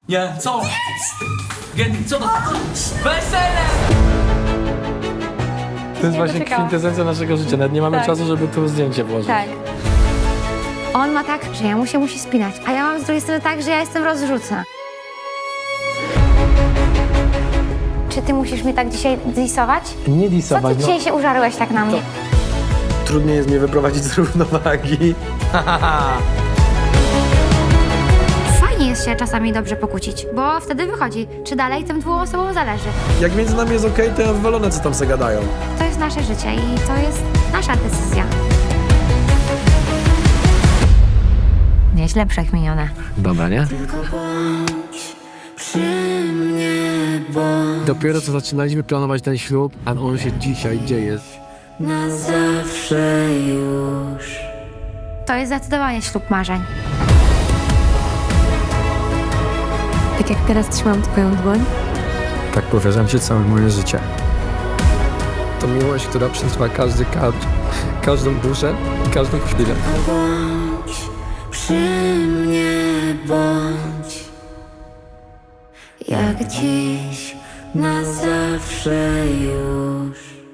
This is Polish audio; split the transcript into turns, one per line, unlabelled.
Nie, co? Gendy, co to? Wesele!
To jest właśnie
doczekałam.
kwintesencja naszego życia. Nawet nie mamy
Tak.
czasu, żeby tu zdjęcie włożyć.
Tak. On ma tak, że ja mu się musi spinać, a ja mam z drugiej strony tak, że ja jestem rozrzucna. Czy ty musisz mnie tak dzisiaj disować?
Nie
Co ty
disować, no.
dzisiaj się użarłeś tak na mnie?
Trudniej jest mnie wyprowadzić z równowagi.
Fajnie jest się czasami dobrze pokłócić, bo wtedy wychodzi, czy dalej tym dwóm osobom zależy.
Jak między nami jest okej, to ja wywalone, co tam se gadają.
To jest nasze życie i to jest nasza decyzja. Nieźle przekminione.
Dobra, nie? Dopiero co zaczynaliśmy planować ten ślub, a on się dzisiaj dzieje.
To jest zdecydowanie ślub marzeń.
Tak jak teraz trzymam twoją dłoń,
Tak powierzam ci całe moje życie. To miłość, która przetrwa każdy kadr, każdą duszę i każdą chwilę.
Przy mnie bądź jak dziś, na zawsze już.